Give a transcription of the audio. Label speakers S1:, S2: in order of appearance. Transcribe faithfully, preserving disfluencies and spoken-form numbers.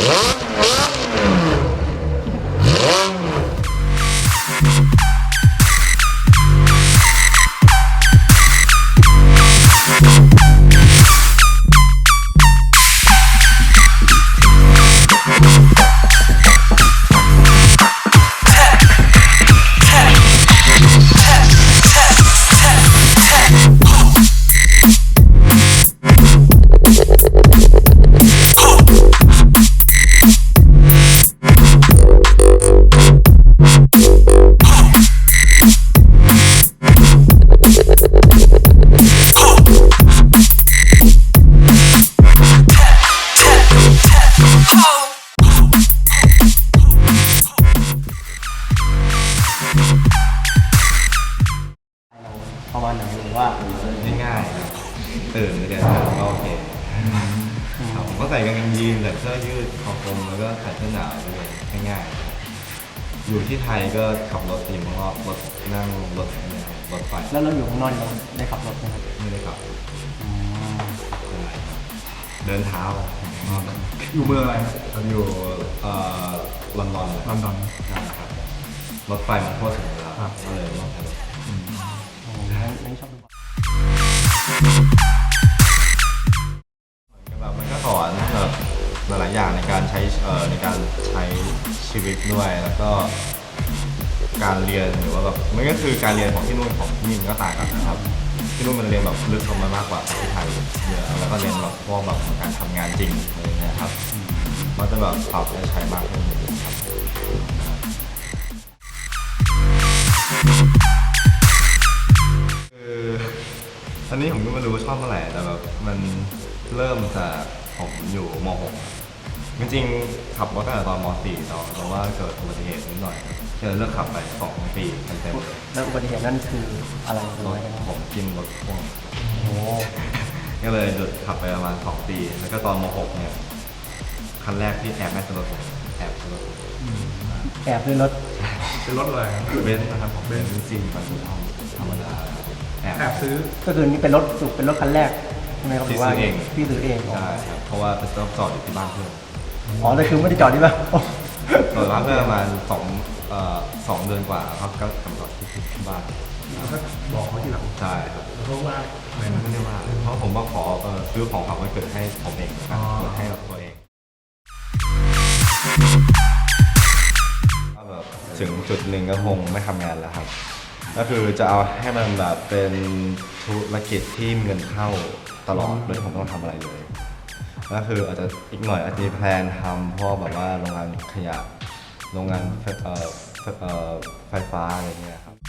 S1: ประมาณไหนหรือว่า
S2: ง่ายๆตื่นเรียนก็โอเคผมก็ใส่กางเกงยีนใส่เสื้อยืดคอคลุมแล้วก็ใส่เสื้อหนาวเลยง่ายๆอยู่ที่ไทยก็ขับรถอยู่ข้างนอกรถนั่งรถรถไฟ
S1: แล้วเราอยู่ข้างนอกเราได้ขับรถไหมครับ
S2: ไม่ได้ขับเดินเท้า
S3: อยู่เมืองอะไร
S2: ครับอยู่ลอนดอน
S3: ลอนดอน
S2: นะครับรถไฟมันโคตรสวยแล้วก็เลยลองขับรถ
S1: ไม่ชอบดู
S2: แบบมันก็สอนแบบหลายๆอย่างในการใช้ในการใช้ชีวิตด้วยแล้วก็การเรียนหรือว่าแบบมันก็คือการเรียนของที่นู่นของที่นี่มันก็ต่างกันนะครับที่นู่นมันเรียนแบบลึกลงมามากกว่าที่ไทยเยอะแล้วก็เรียนแบบพวกแบบการทำงานจริงอะไรเงี้ยครับมันจะแบบปรับและใช้มากขึ้นครับคืออันนี้ผมก็ไม่รู้ชอบเมื่อไหร่แต่แบบมันเริ่มจากผมอยู่ม หก จริงๆขับรถตั้งแต่ตอนม สี่ตอนแต่ว่าเกิดอุบัติเหตุนิดหน่อยก็เลยเลิกขับไปสองปีเต็ม
S1: ๆแล้วอุบัติเหตุนั่นคืออะไร
S2: รถผมกินรถพ่วง
S1: โอ้
S2: ก็เลยหยุดขับไปประมาณสองปีแล้วก็ตอนม หกเนี่ยคันแรกที่แอบไม่ซื้อรถแอบซื้อรถ
S1: แอบซื้อรถ
S3: เป็นรถอะไร
S2: เบนซ์นะครับผมเบนซ์จริงปัจจุบันธรรมดา
S3: แอบซื้อ
S1: ก็คือนี่เป็นรถสุกเป็นรถคันแรกใช่ไหมครับ
S2: ที่ซื้อเอง
S1: พี่ซื้อเอง
S2: ใช่ครับเพราะว่าเป็นจอดอยู่ที่บ้านเพื่อน
S1: อ๋อแต่คือไม่ได้จอดที่บ้าน
S2: จอดบ้านเพื่อนประมาณสองเอ่อสองเดือนกว่าครับก็กำจอดที่บ้าน
S3: แล้วก็บอกเขาทีหลัง
S2: ใช่ครับ
S3: เพราะว่า
S2: ไม่ไม่ได้ว่าเพราะผมว่าขอซื้อของฝากวันเกิดให้ผมเองนะครับเกิดให้กับตัวเองแบบถึงจุดหนึ่งก็คงไม่ทำงานแล้วครับก็คือจะเอาให้มันแบบเป็นธุรกิจที่มีเงินเข้าตลอดโดยที่ผมไม่ต้องทำอะไรเลยก็คืออาจจะอีกหน่อยอาจจะมีแพลนทำพวกแบบว่าโรงงานขยะโรงงานไฟฟ้าอะไรเงี้ยครับ